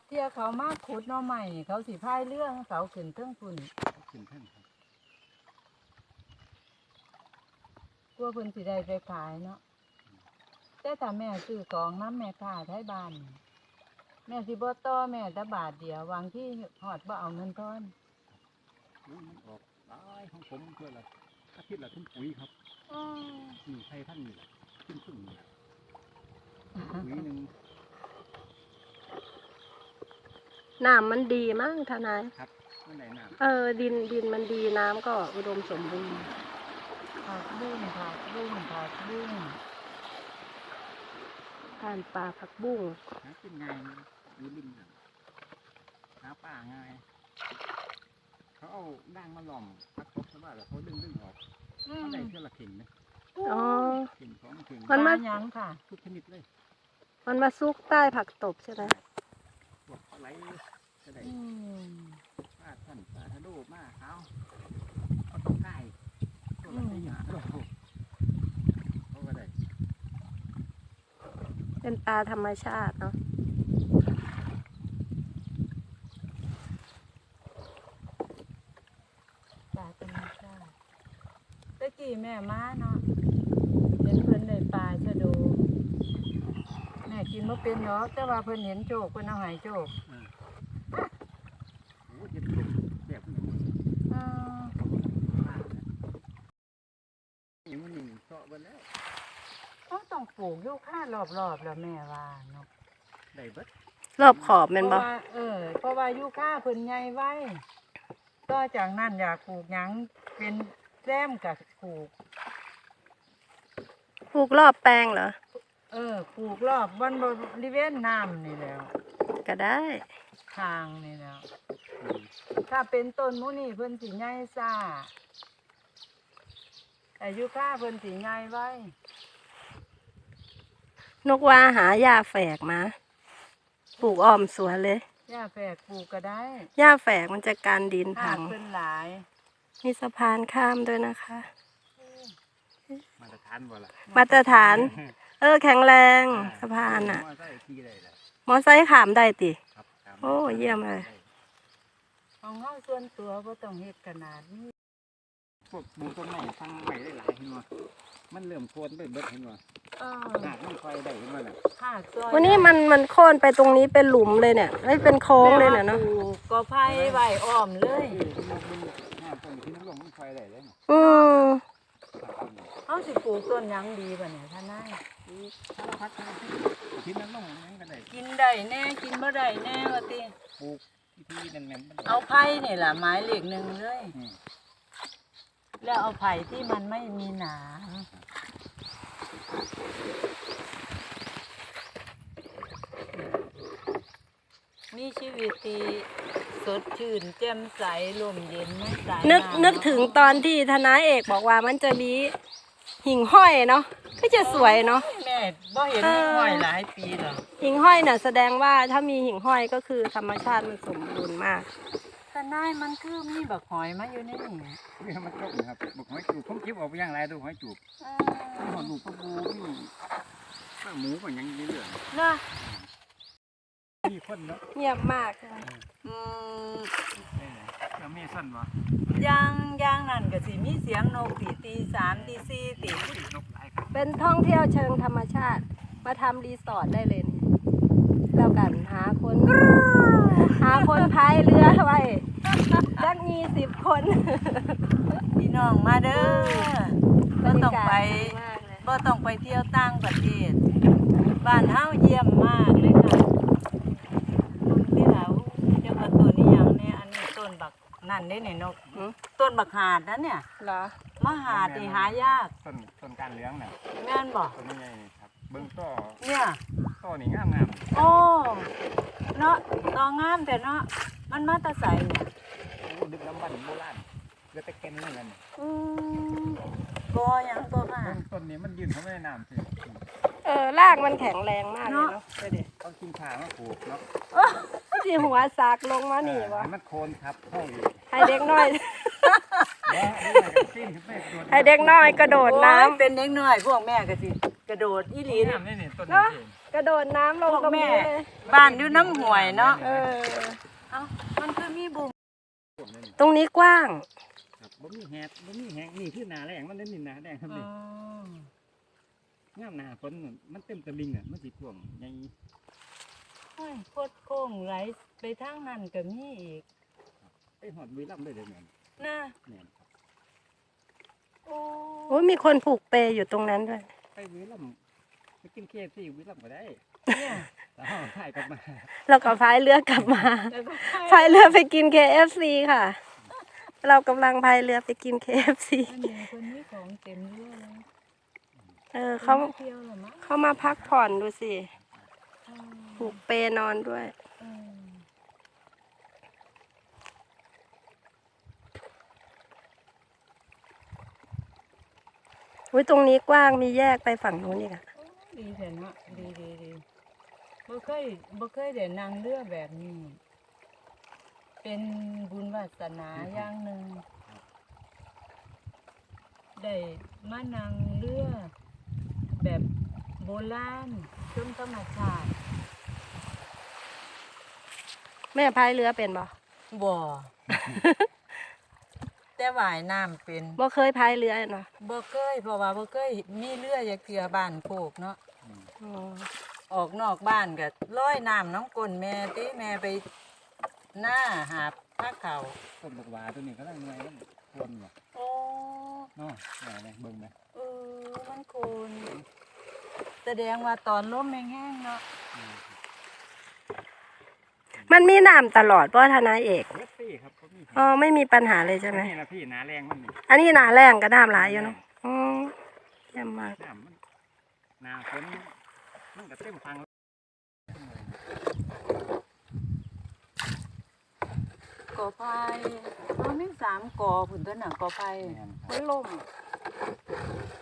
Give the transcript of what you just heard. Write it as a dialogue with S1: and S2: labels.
S1: เที่ยเขามาขุดหน่อใหม่เขาสิพายเรื่องเขาขึ้นเทิงพุ่น
S2: ขึ้นแท่นครับ
S1: กลัวเพิ่นสิได้ไปขายเนาะแต่ถ้าแม่ซื้อของน้ำแม่ค้าไทยบ้านแม่สิบ่ต่อแม่แต่บาทเดียววางที่ฮอดบ่เอาเงินทอน
S2: มันออกหลายของผมเพื่อละอาทิตย์ละทุ่มปุ๋ยครับนี่ไทยท่านนี่แหละขึ้นนี่แหละปุ๋ยหนึ่ง
S3: น้ำมันดีมั้งทนาย
S2: ครับเมื่อไหร่น้ำ
S3: ดินมันดีน้ำก็อุดมสมบูรณ์
S1: ผักบุ้งผักบุ้งผักบุ้ง
S3: การปลาผักบุ้ง
S2: หากินง่ายมีลิงหาป่าง่ายเขาเอาด่างมาหล่อมพักตบซะว่าแล้วเขาดึงออกเขาได้เท่าละเข่งนะ
S3: อ๋อ
S2: เข่งสองเข่ง
S3: มันมา
S1: หยังค่ะ
S2: ทุกชนิดเลย
S3: มันมาซุกใต้ผักตบใช่ไหม
S2: พวกอะไรก็ได้ ปลาท่านปลาทะโดมาเอาตรงใกล้ตัวละสี่หาโลเขาก็ได้
S3: เป็นปลาธรรมชาติเนาะ
S1: ปลาธรรมชาติตะกี้แม่มาเนาะเห็นเพิ่นได้ปลาชะโดแม่กินบ่เป็นเนาะแต่ว่าเพิ่นเห็นโจกเพิ่นเอาให้โจก
S2: โอ้ยจะถูกแบบนี้
S1: อ่า
S2: อย่างมันหนึ่งเจาะไปแล้ว
S1: เขาต้องปลูกอยู่ค่ารอบๆแล้วแม่ว่าเนาะ
S2: ได้เบิด
S3: รอบขอบแมันบ่
S1: เพราะว่าอยู่ค่าเพิ่นใหญ่ไว้ต่อจากนั้นอยากปลูกหยังเป็นแซมกับปลูก
S3: ปลูกรอบแปลงเหรอ
S1: ปลูกรอบบริเวณน้ำนี่แล้ว
S3: ก็ได้
S1: ทางนี่แล้ว ถ้าเป็นต้นมุนี่เพิ่นสิใหญ่ซ่าแต่อยู่ค่าเพิ่นสิใหญ่ไว้
S3: นกว่าหาหญ้าแฝกมา ปลูกอ้อมสวนเลย
S1: หญ้าแฝกปลูกก็ได้
S3: หญ้าแฝกมันจะกันดิน
S1: หา
S3: พั
S1: ก
S3: ง
S1: เพิ่นหลาย
S3: มีสะพานข้ามด้วยนะคะ
S2: มาตรฐานบ่ล่ะ
S3: มาตรฐาน แข็งแรงสะพานอ่ะ
S2: มาใส่ที่ได้ละ
S3: มอไซค์ขามได้ติ
S2: ครับ
S3: โอ้เยี่ยมเลย
S1: ของเฮาส่วนตัวบ่ต้องเฮ็ดขนาดนี้
S2: พวกหมูต้นไม้ฟังใหม่ได้หลายเห็นบ่มันเริ่มโคนไปเบิดเห็นบ่หากมันไฟได้เห็นบ่น่ะ
S1: หากซอย
S3: วันนี้มันโค่นไปตรงนี้เป็นหลุมเลยเนี่ยไม่เป็นโค้งเลยเนี่ยเนาะ
S1: ปลูกก็ไผ่ไว้อ้อมเลย
S2: หน้าต้นที่น้ำลงมันไฟได้เลยน่ะ
S3: อืม
S1: เฮาสิปลูกต้นหยังดีบ่เนี่ยท่านนาย
S2: สารพัดที่น้ำลงยังก็ได้
S1: กินได้แน่กินบ่ได้แน่ว่าติ
S2: ปลูกที่แน่นๆมัน
S1: เอาไผ่นี่ล่ะหมายเลขหนึ่งเลย
S2: อืม
S1: แล้วเอาไผ่ที่มันไม่มีหนามมีชีวิตที่สดชื่นแจ่มใสลมเย็นไม่สาย
S3: นึกถึงตอนที่ทนายเอกบอกว่ามันจะมีหิ่งห้อยเนาะก็จะสวยเนาะ
S1: แม่บ่เห็นห้อยหลายปีหรอก
S3: หิ่งห้อยน่ะแสดงว่าถ้ามีหิ่งห้อยก็คือธรรมชาติมันสมบูรณ์มาก
S1: แต่นายมันคือมีบักหอยมาอยู่ในนี่
S2: นี่มันจบนะครับบอกหอยจูบผมคิดออกไปอย่างไรดูหอยจูบมีหอดลูกปลาบูมีปลาหมูก็ยังมีเรื่อง
S1: นะ
S2: มีคนเนาะ
S3: เงียบมาก
S1: อืม
S2: แล้วมีสั้นวะ
S1: ย่างนั่นก็สิมีเสียงนกตีสามตีสี่ตี
S2: นกหลายครับ
S3: เป็นท่องเที่ยวเชิงธรรมชาติ มาทำรีสอร์ทได้เลยนี่แล้วกันหาคนพายเรือไว้จักมี10 คน
S1: พี่น้องมาเด้อบ่ต้องไป
S3: มากเลย
S1: บ่ต้องไปเที่ยวต่างประเทศบ้านเฮาเยี่ยมมากเลยค่ะที่แล้วเจ้าว่าต้นนี้หยังเนี่ยอันนี้ต้นบักนั่นเด้เนี่ยนกต้นบักหาดนะเนี่ย
S3: เหรอ
S1: มหาดนี่หายาก
S2: ต้นการเลี้ยงน่ะ
S1: แม่นบ่
S2: ต้นนี้ไงครับเบิ้งต้อ
S1: เนี่ย
S2: นี่งาม
S1: โอ้เนาะตองามแต่เนาะมันมาแตะใสเนี่ย
S2: โอ้ดึกลำบันโบราณเรือตะเก็นนั่นแหละ
S1: อืมบ่หยังบ่ค่ะ
S2: ต้นนี้มันยืนเข้าไม่ได้น้ำสิ
S3: รากมันแข็งแรงมากเลยเนาะไปดิ
S2: เขากินขามาปลูกเนาะ
S3: ที่หัวซากลงมานี่วะ
S2: มันโคนครับเข้าอยู่
S3: ให้เด็กน้อย ให้
S2: ให้
S3: เด็กน้อยกระโดดน้ำ
S1: โอ้ยเป็นเด็กน้อยพวกแม่ก็สิกระโดดอีหลี
S2: นี่
S1: นี่
S2: นี่ต้น
S3: เนาะ
S2: นี้
S3: กกระโดดน้ำลง
S1: พวก
S3: ตรง
S1: แม่
S3: นี้เลย
S1: บ้านอยู่น้ำห่วยเนาะ
S3: เออ
S1: เอ้ามันคือมีบุง
S2: พวกนั้นนี่
S3: ตรงนี้กว้าง
S2: ครับบ่มีแฮดบ่มีแฮงนี่คือหนาแรงมันเล่นนี่หนาแรงครับ
S1: อ๋
S2: นี่
S1: อ
S2: ย่ามหนาฝนน่ะมันเต็มตะลิงอ่ะมันสิท่วมใหญ่
S1: โอ้ยโคตรโค้งไหลไปทางนั้นก็มีอีก
S2: ไปหอดบุรีรัมย์เลยเด้อแม่น
S1: นะ
S2: แม่นครับ
S1: โอ้
S3: โอ้ยมีคนผูกเปรอยู่ตรงนั้นด้วย
S2: ไปบุรีรัมย์ไปกินเคฟซีบุรีรัมย์ก็ได้
S1: เนี่ย
S2: แล้วถ่ายกลับมา
S3: เราก็พายเรือกลับมา
S1: แล้วก็
S3: พายเรือไปกิน KFC ค่ะ เรากำลังพายเรือไปกิน KFC
S1: อันนี้คนนี้ของเต็มเรือเลย
S3: เขา
S1: ไม่เที่ยวหรอมั้ง
S3: เขามาพักผ่อนดูสิ
S1: อืม
S3: ผูกเปนอนด้วย
S1: อืม
S3: อุ้ยตรงนี้กว้างมีแยกไปฝั่งนู้นอีกอะ
S1: โอ้ดีแต่เนาะดีบ่เคยได้นั่งเรือแบบนี้ เป็นบุญวาสนาอย่างหนึ่งได้มานั่งเรือ แบบโบราณชมธรรมชาติ
S3: แม่พายเรือเป็นบ่
S1: บ่ แต่ว่ายน้ำเป็น
S3: บ่เคยพายเรือเนาะ
S1: บ่เคยเพราะว่าบ่เคยมีเรืออย่าเกลือบ้านโคกเนาะ
S3: อ๋อ
S1: ออกนอกบ้านก็ลอยน้ำน้องกลนแม่ติแม่ไปหน้าหาผ้าเขาว
S2: ต้นบักหวาตัวนี้ก็ได้หน่วยมันท่วมว่ะ
S1: โอ้
S2: เนาะแม่แม่เบิ่งแม่
S1: มันโคนแสดงว่าตอนลมแห้งๆเนาะ
S3: มันมีน้ำตลอดเพราะทนายเอก
S2: เคฟซีครับก็มี
S3: อ๋อไม่มีปัญหาเลยใช่ไหม
S2: นี่ล่ะพี่หนาแรงมันนี่
S3: อันนี้หนาแรงก็น้ำหลายอยู่เนาะอ๋อเยี่ยมมาก
S2: น้ำมันหนาฝนมันก็เต็มฟัง
S1: กอไผ่มี3กอพุ่นตัวน่ะกอไผ่
S2: แม่นครับ
S3: มันล่ม